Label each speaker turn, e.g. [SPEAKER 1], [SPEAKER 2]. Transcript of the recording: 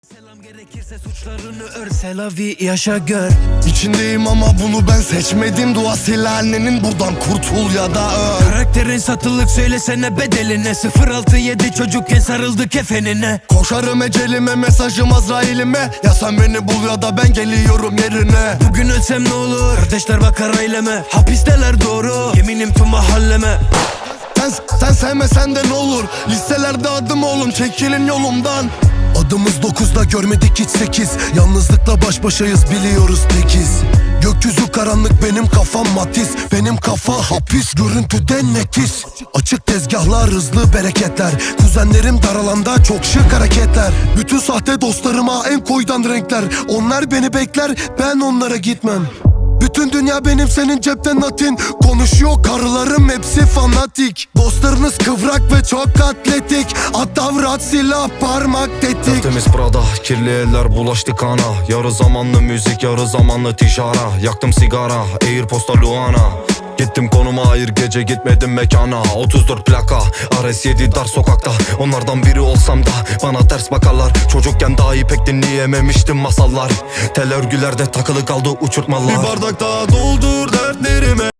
[SPEAKER 1] Selam gerekirse suçlarını ör, selavi yaşa gör.
[SPEAKER 2] İçindeyim ama bunu ben seçmedim. Dua sil annenin, buradan kurtul ya da öl.
[SPEAKER 1] Karakterin satılık, söylesene bedeline. 067 çocukken sarıldı kefenine.
[SPEAKER 2] Koşarım ecelime, mesajım Azrail'ime. Ya sen beni bul ya da ben geliyorum yerine.
[SPEAKER 1] Bugün ölsem ne olur, kardeşler bakar aileme. Hapisteler doğru, yeminim tüm mahalleme.
[SPEAKER 2] Sen sevmesen de ne olur, listelerde adım oğlum, çekilin yolumdan. Adımız 9'da görmedik hiç 8. Yalnızlıkla baş başayız, biliyoruz tekiz. Gökyüzü karanlık, benim kafam matiz. Benim kafa hapis, görüntüden netiz. Açık tezgahlar, hızlı bereketler. Kuzenlerim dar alanda, çok şık hareketler. Bütün sahte dostlarıma en koydan renkler. Onlar beni bekler, ben onlara gitmem. Bütün dünya benim, senin cepten natin. Konuşuyor karılarım, hepsi fanatik. Dostlarınız kıvrak ve çok atletik. Atavrat, silah, parmak, tetik.
[SPEAKER 3] Tertemiz Prada, kirli eller bulaştı kana. Yarı zamanlı müzik, yarı zamanlı tişara. Yaktım sigara, Airpods'ta Luana. Gittim konuma, hayır gece gitmedim mekana. 34 plaka, RS7 dar sokakta. Onlardan biri olsam da bana ters bakarlar. Çocukken dahi pek dinleyememiştim masallar. Tel örgülerde takılı kaldı uçurtmalar.
[SPEAKER 2] Bir bardak daha doldur dertlerime.